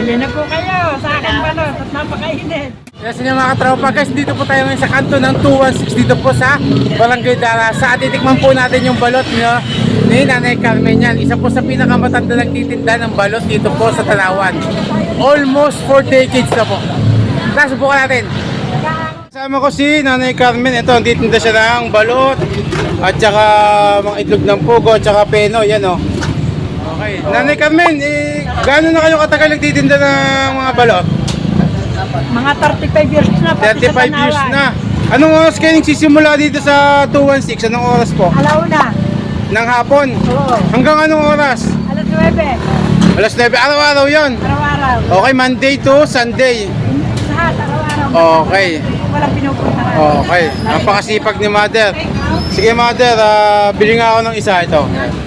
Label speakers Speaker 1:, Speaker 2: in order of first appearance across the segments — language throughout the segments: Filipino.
Speaker 1: Bili na po kayo sa akin balot at napakainit.
Speaker 2: Yes, yun mga katropa guys, dito po tayo ngayon sa kanto ng 216 dito po sa Barangay Darasa. At titikman po natin yung balot ni Nanay Carmen yan. Isa po sa pinakamatanda nagtitinda ng balot dito po sa Tanawan. Almost 4 decades na po. Tara, subukan natin. Kasama ko si Nanay Carmen. Ito, nagtitinda siya ng balot at saka mga itlog ng pugo at saka peno. Yan o. Okay. Nanay Carmen, gaano na kayo katagal nagtitinda ng mga balot?
Speaker 1: Mga 35 years na pati
Speaker 2: 35
Speaker 1: sa Tanawan.
Speaker 2: years na. Anong oras kayo nagsisimula dito sa 216? Anong oras po?
Speaker 1: Alauna.
Speaker 2: Ng hapon?
Speaker 1: Oo.
Speaker 2: Hanggang anong oras?
Speaker 1: Alas 9.
Speaker 2: Alas 9. Araw-araw yon.
Speaker 1: Araw-araw.
Speaker 2: Okay, Monday to Sunday.
Speaker 1: Lahat, araw-araw.
Speaker 2: Okay.
Speaker 1: Walang pinupuntahan.
Speaker 2: Okay. Napakasipag ni Mother. Sige Mother, bili nga ako ng isa ito.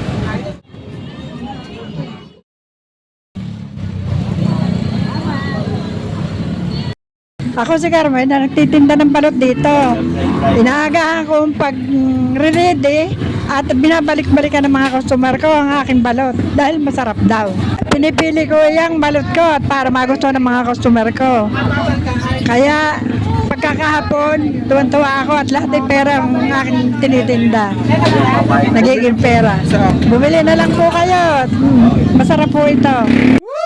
Speaker 1: Ako si Carmen na nagtitinda ng balot dito. Inaagahan ko pag-ready at binabalik-balikan ng mga customer ko ang aking balot dahil masarap daw. Pinipili ko yung balot ko at para magustuhan ng mga customer ko. Kaya pagkakahapon, tuwan-tuwa ako at lahat ay pera ang aking tinitinda. Nagiging pera. Bumili na lang po kayo. Masarap po ito.